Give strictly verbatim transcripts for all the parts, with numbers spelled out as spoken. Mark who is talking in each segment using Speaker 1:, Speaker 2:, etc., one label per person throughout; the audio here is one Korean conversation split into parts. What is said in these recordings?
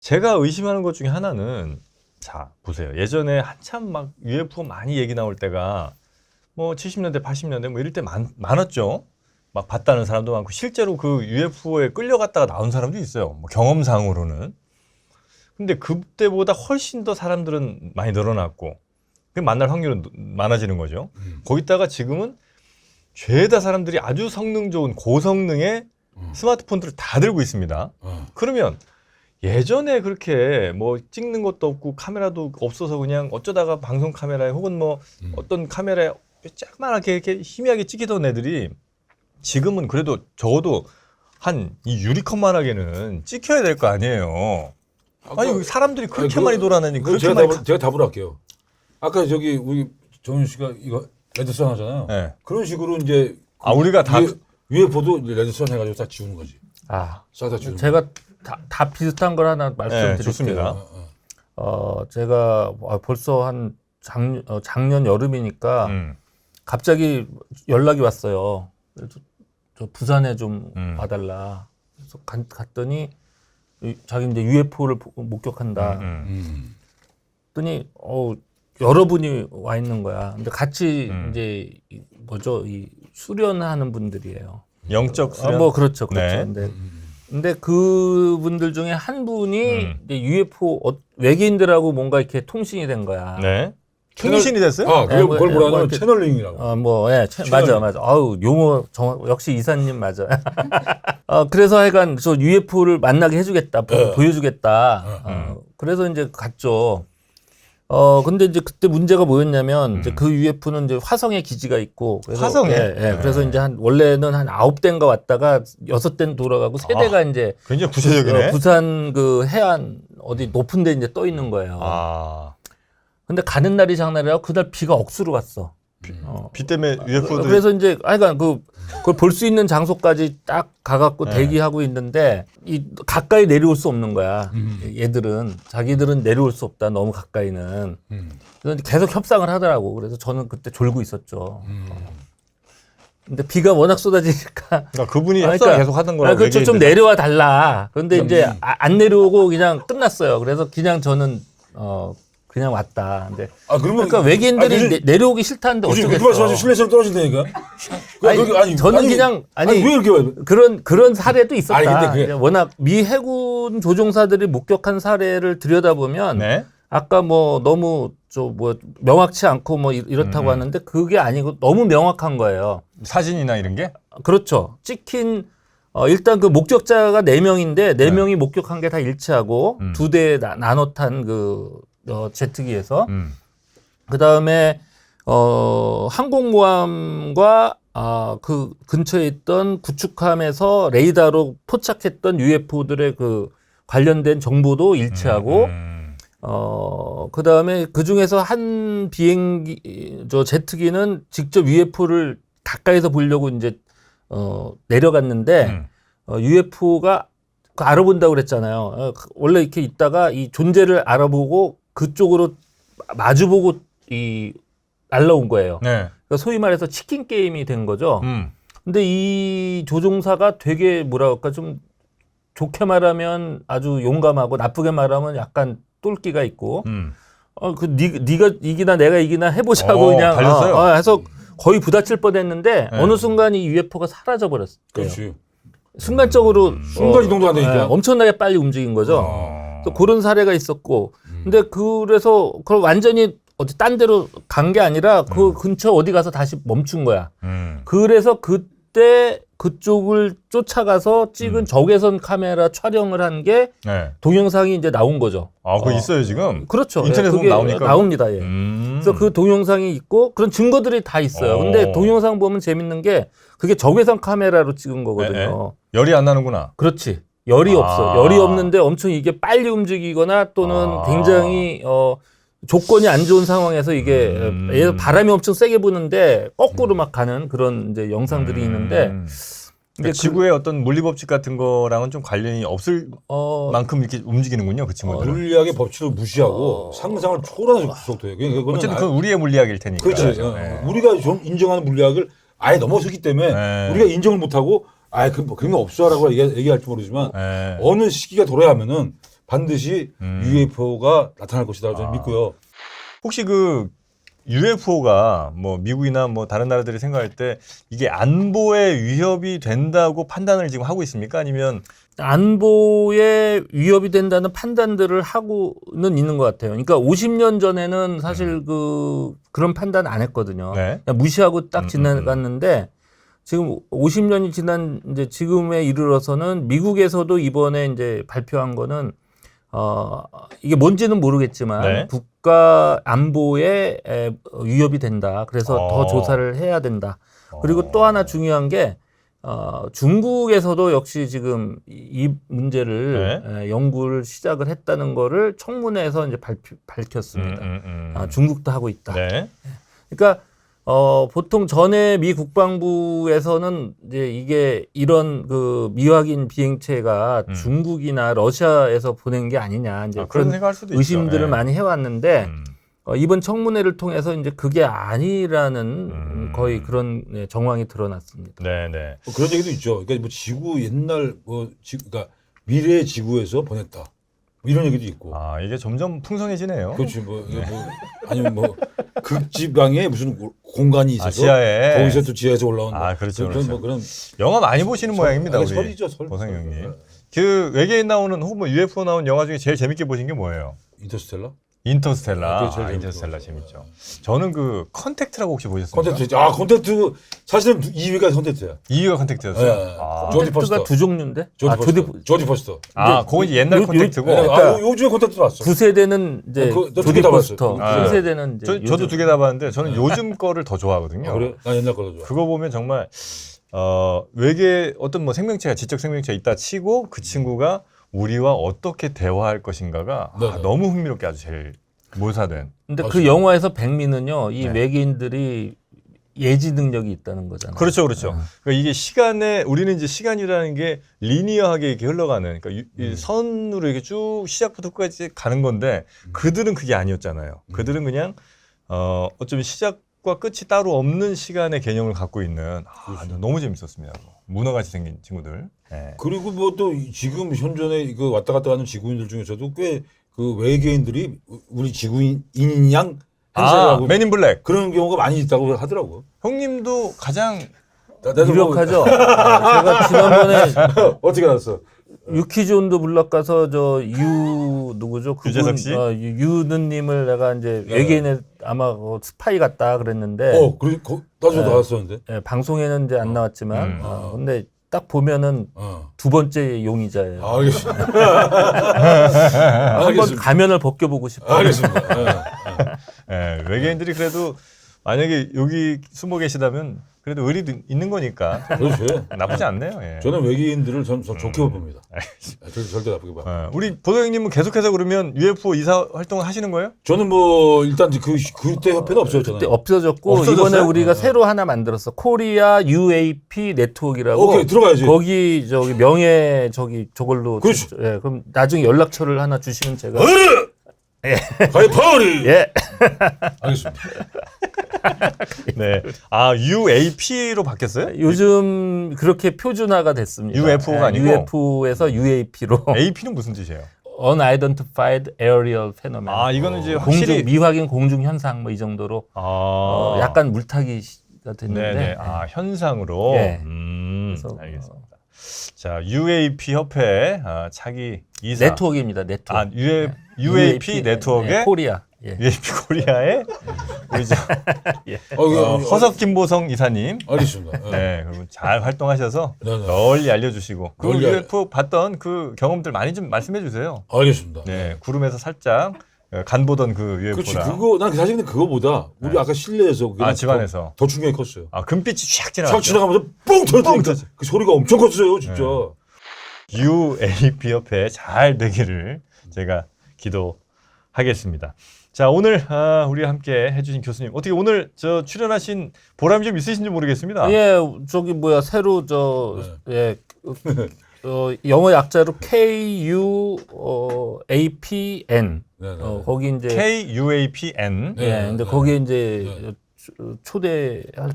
Speaker 1: 제가 의심하는 것 중에 하나는 자 보세요. 예전에 한참 막 유에프오 많이 얘기 나올 때가 뭐 칠십 년대, 팔십 년대 뭐 이럴 때 많, 많았죠. 막 봤다는 사람도 많고 실제로 그 유에프오에 끌려갔다가 나온 사람도 있어요. 뭐 경험상으로는. 근데 그때보다 훨씬 더 사람들은 많이 늘어났고 만날 확률은 많아지는 거죠.
Speaker 2: 음.
Speaker 1: 거기다가 지금은 죄다 사람들이 아주 성능 좋은 고성능의
Speaker 2: 음.
Speaker 1: 스마트폰들을 다 들고 있습니다.
Speaker 2: 어.
Speaker 1: 그러면 예전에 그렇게 뭐 찍는 것도 없고 카메라도 없어서 그냥 어쩌다가 방송 카메라에 혹은 뭐
Speaker 2: 음.
Speaker 1: 어떤 카메라에 조그맣게 이렇게 희미하게 찍히던 애들이 지금은 그래도 적어도 한 이 유리컵만하게는 찍혀야 될 거 아니에요.
Speaker 2: 아까,
Speaker 1: 아니 사람들이 그렇게
Speaker 2: 아니, 그거-
Speaker 1: 많이 돌아다니니
Speaker 2: 그거
Speaker 1: 그렇게
Speaker 2: 제가
Speaker 1: 많이
Speaker 2: 답을, 제가 답을 할게요. 아까 저기 우리 정윤 씨가 이거 레드선 하잖아요.
Speaker 1: 네.
Speaker 2: 그런 식으로 이제
Speaker 1: 아 우리가 다
Speaker 2: 유에프오도 레드선 해가지고 다 지우는 거지.
Speaker 3: 아,
Speaker 2: 싹 다 지우는.
Speaker 3: 제가 다, 다 비슷한 걸 하나
Speaker 1: 네,
Speaker 3: 말씀드릴게요.
Speaker 1: 좋습니다.
Speaker 2: 어, 어.
Speaker 3: 어, 제가 벌써 한 작, 어, 작년 여름이니까
Speaker 1: 음.
Speaker 3: 갑자기 연락이 왔어요. 그래서 저 부산에 좀
Speaker 1: 음.
Speaker 3: 와달라. 그래서 간- 갔더니 이- 자기 이제 유에프오를 목격한다.
Speaker 1: 음, 음.
Speaker 2: 음.
Speaker 3: 했더니 어 여러분이 와 있는 거야. 근데 같이
Speaker 1: 음.
Speaker 3: 이제 이 뭐죠 이 수련하는 분들이에요.
Speaker 1: 영적
Speaker 3: 아,
Speaker 1: 수련.
Speaker 3: 뭐 그렇죠, 그렇죠.
Speaker 1: 네.
Speaker 3: 근데,
Speaker 2: 음.
Speaker 3: 근데 그분들 중에 한 분이
Speaker 1: 음.
Speaker 3: 이제 유에프오 어, 외계인들하고 뭔가 이렇게 통신이 된 거야.
Speaker 1: 네.
Speaker 2: 채널-
Speaker 1: 통신이 됐어요?
Speaker 2: 아, 그걸,
Speaker 3: 예, 뭐,
Speaker 2: 그걸
Speaker 3: 예,
Speaker 2: 뭐라
Speaker 3: 뭐
Speaker 2: 하냐면
Speaker 3: 이렇게-
Speaker 2: 채널링이라고.
Speaker 3: 어, 뭐, 예, 채-
Speaker 2: 시간이-
Speaker 3: 맞아, 맞아. 아우, 용어, 정, 역시 이사님 맞아. 어, 그래서 하여간 저 유에프오를 만나게 해주겠다, 보,
Speaker 2: 어.
Speaker 3: 보여주겠다.
Speaker 2: 어,
Speaker 3: 어, 그래서 이제 갔죠. 어, 근데 이제 그때 문제가 뭐였냐면, 이제
Speaker 1: 음.
Speaker 3: 그 유에프오는 이제 화성에 기지가 있고. 그래서,
Speaker 1: 화성에?
Speaker 3: 예, 예.
Speaker 1: 네.
Speaker 3: 그래서 이제 한, 원래는 한 아홉 대인가 왔다가 여섯 대는 돌아가고 세 대가 이제
Speaker 1: 굉장히 구체적이네.
Speaker 3: 어, 부산 그 해안 어디 높은 데 이제 떠 있는 거예요.
Speaker 1: 아.
Speaker 3: 근데 가는 날이 장날이라고 그날 비가 억수로 왔어.
Speaker 2: 음.
Speaker 3: 어,
Speaker 1: 비 때문에 유에프오들이
Speaker 3: 그래서 이제 하여간 그 그걸 볼 수 있는 장소까지 딱 가갖고
Speaker 1: 네.
Speaker 3: 대기하고 있는데 이 가까이 내려올 수 없는 거야.
Speaker 2: 음.
Speaker 3: 얘들은 자기들은 내려올 수 없다. 너무 가까이는.
Speaker 2: 음.
Speaker 3: 그래서 계속 협상을 하더라고. 그래서 저는 그때 졸고 있었죠.
Speaker 2: 음.
Speaker 3: 근데 비가 워낙 쏟아지니까
Speaker 1: 그러니까 그분이
Speaker 3: 아,
Speaker 1: 협상을
Speaker 3: 그러니까-
Speaker 1: 계속 하던
Speaker 3: 아,
Speaker 1: 거라고.
Speaker 3: 그렇죠. 좀
Speaker 1: 외계인들.
Speaker 3: 내려와 달라. 그런데
Speaker 2: 음.
Speaker 3: 이제 아, 안 내려오고 그냥 끝났어요. 그래서 그냥 저는 어 그냥 왔다. 근데
Speaker 2: 아, 그러면.
Speaker 3: 그러니까 외계인들이
Speaker 2: 아, 요즘-
Speaker 3: 내, 내려오기 싫다는데
Speaker 2: 요즘 그렇게
Speaker 3: 어쩌겠어.
Speaker 2: 말씀하시면 신뢰성 떨어진다니까? 그-
Speaker 3: 아니,
Speaker 2: 그렇게- 아니,
Speaker 3: 저는
Speaker 2: 아니,
Speaker 3: 그냥 아니,
Speaker 2: 아니, 왜 이렇게 와요?
Speaker 3: 그런 그런 사례도 있었다.
Speaker 2: 아니, 근데 그게-
Speaker 3: 워낙 미 해군 조종사들이 목격한 사례를 들여다보면
Speaker 1: 네.
Speaker 3: 아까 뭐 너무 저 뭐 명확치 않고 뭐 이- 이렇다고
Speaker 1: 음.
Speaker 3: 하는데 그게 아니고 너무 명확한 거예요.
Speaker 1: 사진이나 이런 게?
Speaker 3: 그렇죠. 찍힌 어 일단 그 목격자가 네 명인데 네
Speaker 1: 네.
Speaker 3: 명이 목격한 게 다 일치하고
Speaker 1: 음.
Speaker 3: 두 대 나눠 탄그 어, 제트기에서
Speaker 1: 음.
Speaker 3: 그 다음에 어 항공모함과 아, 그 근처에 있던 구축함에서 레이더로 포착했던 유에프오들의 그 관련된 정보도 일치하고
Speaker 1: 음.
Speaker 3: 어, 그 다음에 그 중에서 한 비행기, 저 제트기는 직접 유에프오를 가까이서 보려고 이제, 어, 내려갔는데,
Speaker 1: 음.
Speaker 3: 어, 유에프오가 그 알아본다고 그랬잖아요. 어, 원래 이렇게 있다가 이 존재를 알아보고 그쪽으로 마주보고 이, 날라온 거예요.
Speaker 1: 네.
Speaker 3: 그러니까 소위 말해서 치킨 게임이 된 거죠.
Speaker 1: 음.
Speaker 3: 근데 이 조종사가 되게 뭐라 그럴까 좀 좋게 말하면 아주 용감하고 나쁘게 말하면 약간 똘끼가 있고
Speaker 1: 음.
Speaker 3: 어 그 네가 이기나 내가 이기나 해보자고
Speaker 1: 어,
Speaker 3: 그냥
Speaker 1: 달렸어요?
Speaker 3: 어, 어, 해서 거의 부딪힐 뻔했는데
Speaker 1: 네.
Speaker 3: 어느 순간 이 유에프오가 사라져 버렸어요.
Speaker 2: 그렇지.
Speaker 3: 순간적으로
Speaker 1: 음.
Speaker 2: 순간 이동도 안 되니까.
Speaker 3: 예, 엄청나게 빨리 움직인 거죠.
Speaker 1: 어.
Speaker 3: 또 그런 사례가 있었고,
Speaker 2: 음.
Speaker 3: 근데 그래서 그걸 완전히 어디 딴 데로 간 게 아니라 그
Speaker 1: 음.
Speaker 3: 근처 어디 가서 다시 멈춘 거야.
Speaker 1: 음.
Speaker 3: 그래서 그때 그쪽을 쫓아가서 찍은
Speaker 1: 음.
Speaker 3: 적외선 카메라 촬영을 한 게
Speaker 1: 네.
Speaker 3: 동영상이 이제 나온 거죠.
Speaker 1: 아, 그거
Speaker 3: 어.
Speaker 1: 있어요, 지금?
Speaker 3: 그렇죠.
Speaker 1: 인터넷에
Speaker 3: 예,
Speaker 1: 보면
Speaker 3: 그게
Speaker 1: 나오니까.
Speaker 3: 나옵니다. 예.
Speaker 1: 음.
Speaker 3: 그래서 그 동영상이 있고 그런 증거들이 다 있어요.
Speaker 1: 어.
Speaker 3: 근데 동영상 보면 재밌는 게 그게 적외선 카메라로 찍은 거거든요.
Speaker 1: 열이 안 나는구나.
Speaker 3: 그렇지. 열이
Speaker 1: 아.
Speaker 3: 없어. 열이 없는데 엄청 이게 빨리 움직이거나 또는
Speaker 1: 아.
Speaker 3: 굉장히 어 조건이 안 좋은 상황에서 이게
Speaker 1: 음.
Speaker 3: 예를 들어 바람이 엄청 세게 부는데 거꾸로 막 가는 그런 이제 영상들이
Speaker 1: 음.
Speaker 3: 있는데
Speaker 1: 그러니까
Speaker 3: 그-
Speaker 1: 지구의 어떤 물리법칙 같은 거랑은 좀 관련이 없을
Speaker 3: 어
Speaker 1: 만큼 이렇게 움직이는군요, 그 친구들은.
Speaker 2: 물리학의 법칙을 무시하고
Speaker 3: 어.
Speaker 2: 상상을 초월하는 속도예요. 그건
Speaker 1: 어쨌든
Speaker 2: 아-
Speaker 1: 그건 우리의 물리학일 테니까.
Speaker 2: 그렇지. 어,
Speaker 1: 네.
Speaker 2: 우리가 좀 인정하는 물리학을 아예 넘어섰기 때문에
Speaker 1: 네.
Speaker 2: 우리가 인정을 못하고 아예 그, 뭐 그런 거 없어라고 얘기, 얘기할지 모르지만
Speaker 1: 네.
Speaker 2: 어느 시기가 돌아야 하면은 반드시
Speaker 1: 음.
Speaker 2: 유에프오가 나타날 것이다 저는
Speaker 1: 아.
Speaker 2: 믿고요.
Speaker 1: 혹시 그 유에프오가 뭐 미국이나 뭐 다른 나라들이 생각할 때 이게 안보에 위협이 된다고 판단을 지금 하고 있습니까? 아니면
Speaker 3: 안보에 위협이 된다는 판단들을 하고는 있는 것 같아요. 그러니까 오십 년 전에는 사실 그 그런 판단 안 했거든요.
Speaker 1: 네.
Speaker 3: 그냥 무시하고
Speaker 1: 음,
Speaker 3: 딱 지나갔는데 지금 오십 년이 지난 이제 지금에 이르러서는 미국에서도 이번에 이제 발표한 거는 어 이게 뭔지는 모르겠지만
Speaker 1: 네.
Speaker 3: 국가 안보에 에, 위협이 된다. 그래서
Speaker 1: 어.
Speaker 3: 더 조사를 해야 된다. 그리고
Speaker 1: 어.
Speaker 3: 또 하나 중요한 게 어, 중국에서도 역시 지금 이, 이 문제를
Speaker 1: 네.
Speaker 3: 에, 연구를 시작을 했다는 거를 청문회에서 이제 발표, 밝혔습니다.
Speaker 1: 음, 음, 음.
Speaker 3: 아, 중국도 하고 있다.
Speaker 1: 네.
Speaker 3: 그러니까 어, 보통 전에 미 국방부에서는 이제 이게 이런 그 미확인 비행체가
Speaker 1: 음.
Speaker 3: 중국이나 러시아에서 보낸 게 아니냐 이제
Speaker 1: 아, 그런
Speaker 3: 그런
Speaker 1: 생각할 수도
Speaker 3: 의심들을
Speaker 1: 있죠. 예.
Speaker 3: 많이 해왔는데
Speaker 1: 음.
Speaker 3: 어, 이번 청문회를 통해서 이제 그게 아니라는
Speaker 1: 음.
Speaker 3: 거의 그런 네, 정황이 드러났습니다.
Speaker 1: 네, 네.
Speaker 2: 뭐 그런 얘기도 있죠. 그러니까 뭐 지구 옛날 뭐 지, 그러니까 미래 지구에서 보냈다. 뭐 이런 얘기도 있고.
Speaker 1: 아, 이게 점점 풍성해지네요.
Speaker 2: 그렇지 뭐, 이게 뭐 아니면 뭐 극지방에 무슨 공간이 있어서
Speaker 1: 아, 지하에.
Speaker 2: 거기서 또 지하에서 올라온
Speaker 1: 아, 그렇죠,
Speaker 2: 그런
Speaker 1: 그렇죠.
Speaker 2: 뭐 그런
Speaker 1: 영화 많이 보시는 모양입니다,
Speaker 2: 아니,
Speaker 1: 우리
Speaker 2: 설이죠, 설.
Speaker 1: 보상
Speaker 2: 설.
Speaker 1: 형님.
Speaker 2: 네.
Speaker 1: 그 외계인 나오는 혹은 뭐 유에프오 나온 영화 중에 제일 재밌게 보신 게 뭐예요?
Speaker 2: 인터스텔라?
Speaker 1: 인터스텔라.
Speaker 2: 아, 그게 제일
Speaker 1: 아,
Speaker 2: 재밌게
Speaker 1: 인터스텔라
Speaker 2: 봤어요.
Speaker 1: 재밌죠. 저는 그 컨택트라고 혹시 보셨습니까?
Speaker 2: 콘텐츠. 아 콘텐츠 사실은 이 위가 콘텐츠야.
Speaker 1: 이 위가 컨택트였어요.
Speaker 2: 네.
Speaker 1: 아,
Speaker 2: 조디
Speaker 3: 콘택트가
Speaker 2: 퍼스터.
Speaker 3: 두 종류인데
Speaker 2: 조지
Speaker 3: 아,
Speaker 2: 퍼스터.
Speaker 3: 조디
Speaker 2: 조지 퍼스터.
Speaker 1: 아, 그건 이제 옛날
Speaker 3: 요- 요-
Speaker 1: 컨택트고.
Speaker 2: 네,
Speaker 3: 그러니까
Speaker 2: 아, 요- 요즘에 콘텐츠 왔어.
Speaker 3: 구 세대는 이제
Speaker 2: 어, 그, 너
Speaker 3: 조디
Speaker 2: 두개 다
Speaker 3: 포스터,
Speaker 2: 봤어요.
Speaker 1: 아,
Speaker 3: 삼 세대는 이제
Speaker 1: 저, 저도
Speaker 3: 요즘-
Speaker 1: 두 개 다 봤는데 저는 요즘 거를 더 좋아하거든요.
Speaker 2: 아, 그래? 난 옛날 거도 좋아.
Speaker 1: 그거 보면 정말 어, 외계 어떤 뭐 생명체가 지적 생명체가 있다 치고 그 친구가 우리와 어떻게 대화할 것인가가 아,
Speaker 2: 네네.
Speaker 1: 너무 흥미롭게 아주 제일 묘사된.
Speaker 3: 근데 그
Speaker 2: 맞습니다.
Speaker 3: 영화에서 백미는요, 이
Speaker 1: 네.
Speaker 3: 외계인들이 예지 능력이 있다는 거잖아요.
Speaker 1: 그렇죠, 그렇죠.
Speaker 3: 아.
Speaker 1: 그러니까 이게 시간에 우리는 이제 시간이라는 게 리니어하게 이렇게 흘러가는, 그러니까 유- 이
Speaker 2: 음.
Speaker 1: 선으로 이렇게 쭉 시작부터 끝까지 가는 건데 그들은 그게 아니었잖아요.
Speaker 2: 음.
Speaker 1: 그들은 그냥 어, 어쩌면 시작과 끝이 따로 없는 시간의 개념을 갖고 있는. 아,
Speaker 2: 그렇죠.
Speaker 1: 너무 재밌었습니다. 문어같이 생긴 친구들. 네.
Speaker 2: 그리고 뭐 또 지금 현존에 그 왔다 갔다 하는 지구인들 중에서도 꽤 그 외계인들이 우리 지구인인 양
Speaker 1: 아,
Speaker 2: 행세하고
Speaker 1: 맨인 블랙.
Speaker 2: 그런 경우가 많이 있다고 하더라고.
Speaker 1: 형님도 가장
Speaker 2: 나- 나도 뭐-
Speaker 3: 유력하죠. 아, 제가 지난번에
Speaker 2: 어떻게 알았어?
Speaker 3: 유키존도 블럭 가서 저 유 누구죠? 그분,
Speaker 1: 유재석 씨?
Speaker 3: 어, 유- 유느님을 내가 이제
Speaker 2: 네.
Speaker 3: 외계인의 아마 어, 스파이 같다 그랬는데
Speaker 2: 어, 그래, 거, 나도
Speaker 3: 네.
Speaker 2: 나왔었는데.
Speaker 3: 예, 방송에는 이제 안 나왔지만
Speaker 1: 음.
Speaker 3: 어, 근데 딱 보면은
Speaker 2: 어.
Speaker 3: 두 번째 용의자예요.
Speaker 2: 아, 알겠습니다.
Speaker 3: 한번
Speaker 2: 알겠습니다.
Speaker 3: 가면을 벗겨보고 싶어요.
Speaker 2: 알겠습니다. 예, 예.
Speaker 1: 예, 외계인들이 그래도 만약에 여기 숨어 계시다면 그래도 의리도 있는 거니까
Speaker 2: 그렇죠.
Speaker 1: 나쁘지 않네요. 예.
Speaker 2: 저는 외계인들을 전, 전 좋게
Speaker 1: 음.
Speaker 2: 봅니다. 절대, 절대 나쁘게 봐.
Speaker 1: 어, 우리 보도 형님은 계속해서 그러면 유에프오 이사 활동을 하시는 거예요?
Speaker 2: 저는 뭐 일단 그 그때 협회는 없어졌잖아요.
Speaker 3: 그때 없어졌고
Speaker 1: 없어졌어요?
Speaker 3: 이번에 우리가
Speaker 2: 어.
Speaker 3: 새로 하나 만들었어. 코리아 유에이피 네트워크라고.
Speaker 2: 오케이 들어가야지.
Speaker 3: 거기 저기 명예 저기 저걸로
Speaker 2: 그렇지.
Speaker 3: 저- 예, 그럼 나중에 연락처를 하나 주시면 제가
Speaker 2: 가이파리.
Speaker 3: 예.
Speaker 2: 알겠습니다.
Speaker 1: 네. 아 유에이피로 바뀌었어요?
Speaker 3: 요즘 그렇게 표준화가 됐습니다.
Speaker 1: 유에프오가 아니고?
Speaker 3: 유에프오에서 유에이피로
Speaker 1: 에이피는 무슨 뜻이에요?
Speaker 3: Unidentified Aerial Phenomenon.
Speaker 1: 아 이거는 이제
Speaker 3: 공중
Speaker 1: 확실히
Speaker 3: 미확인 공중 현상 뭐 이 정도로
Speaker 1: 아
Speaker 3: 어, 약간 물타기가 됐는데
Speaker 1: 네네 아 현상으로
Speaker 3: 예.
Speaker 1: 음
Speaker 3: 그래서,
Speaker 1: 알겠습니다. 자 유에이피 협회 아, 차기 이사
Speaker 3: 네트워크입니다. 네트워크.
Speaker 1: 아 유에, 유에이피 네트워크의
Speaker 3: 예, 코리아. 예.
Speaker 1: 유에이피 코리아의 우리 저
Speaker 2: 어, 이거,
Speaker 1: 어, 허석 김보성 이사님
Speaker 2: 알겠습니다. 예.
Speaker 1: 네 그리고 잘 활동하셔서
Speaker 2: 네, 네.
Speaker 1: 널리 알려주시고 그
Speaker 2: 널리 알-
Speaker 1: 유에프오 봤던 그 경험들 많이 좀 말씀해 주세요.
Speaker 2: 알겠습니다.
Speaker 1: 네 구름에서 살짝 어, 간 보던 그
Speaker 2: 그렇지.
Speaker 1: 유에프오랑
Speaker 2: 그거 난 사실 근데 그거보다 우리 아까 실내에서 그게
Speaker 1: 아 집안에서
Speaker 2: 더, 더 충격이 컸어요.
Speaker 1: 아 금빛이 쫙
Speaker 2: 촥
Speaker 1: 지나갔죠.
Speaker 2: 지나가면서 뻥 터지니까
Speaker 1: 터지.
Speaker 2: 그 소리가 엄청 컸어요, 진짜.
Speaker 1: 유에이피 협회 잘 되기를 제가 기도하겠습니다. 자 오늘 아, 우리와 함께 해주신 교수님 어떻게 오늘 저 출연하신 보람이 좀 있으신지 모르겠습니다.
Speaker 3: 예, 저기 뭐야 새로 저 예. 어, 영어 약자로 K U 어, A P N
Speaker 2: 네, 네.
Speaker 3: 어, 거기 이제
Speaker 1: K U A P N
Speaker 2: 네.
Speaker 3: 예, 근데 거기에 이제
Speaker 2: 네.
Speaker 3: 초-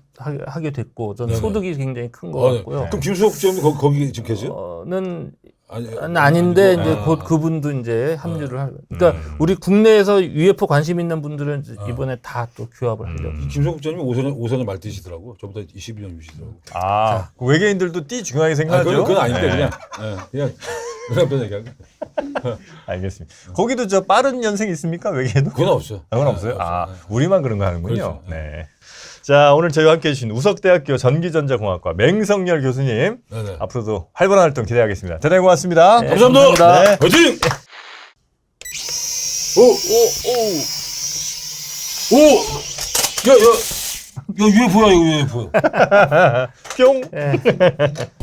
Speaker 3: 초대하게 됐고 저는
Speaker 2: 네, 네.
Speaker 3: 소득이 굉장히 큰 것
Speaker 2: 어, 네.
Speaker 3: 같고요.
Speaker 2: 그럼 김수혁 국장님 거기, 거기 지금 계세요?
Speaker 3: 어는
Speaker 2: 아니,
Speaker 3: 아닌데
Speaker 2: 아니고,
Speaker 3: 이제
Speaker 2: 아.
Speaker 3: 곧 그분도 이제 합류를 할. 그러니까 우리 국내에서 유에프오 관심 있는 분들은 이번에 다 또 규합을 하려고.
Speaker 1: 음.
Speaker 2: 김성국 장님이 오선에 오선에 말띠시더라고. 저보다 이십이 년 유시더라고.
Speaker 1: 아, 그 외계인들도 띠 중요하게
Speaker 2: 아,
Speaker 1: 생각하죠.
Speaker 2: 그건, 그건 아닌데
Speaker 1: 네.
Speaker 2: 그냥 예, 그냥 그냥 그런 얘기하고.
Speaker 1: 알겠습니다. 거기도 저 빠른 연생 있습니까? 외계에도?
Speaker 2: 그건 없어.
Speaker 1: 그건 없어요. 아, 우리만 그런 거 하는군요.
Speaker 2: 그렇죠.
Speaker 1: 네. 자, 오늘 저희와 함께 해주신 우석대학교 전기전자공학과 맹성열 교수님
Speaker 2: 네네.
Speaker 1: 앞으로도 활발한 활동 기대하겠습니다. 대단히 고맙습니다.
Speaker 3: 네,
Speaker 2: 감사합니다.
Speaker 3: 감사합니다.
Speaker 1: 네.
Speaker 2: 화이팅! 오, 오, 오, 오, 야, 야, 야, 유에프오야, 이거 유에프오.
Speaker 1: 뿅.
Speaker 3: 예.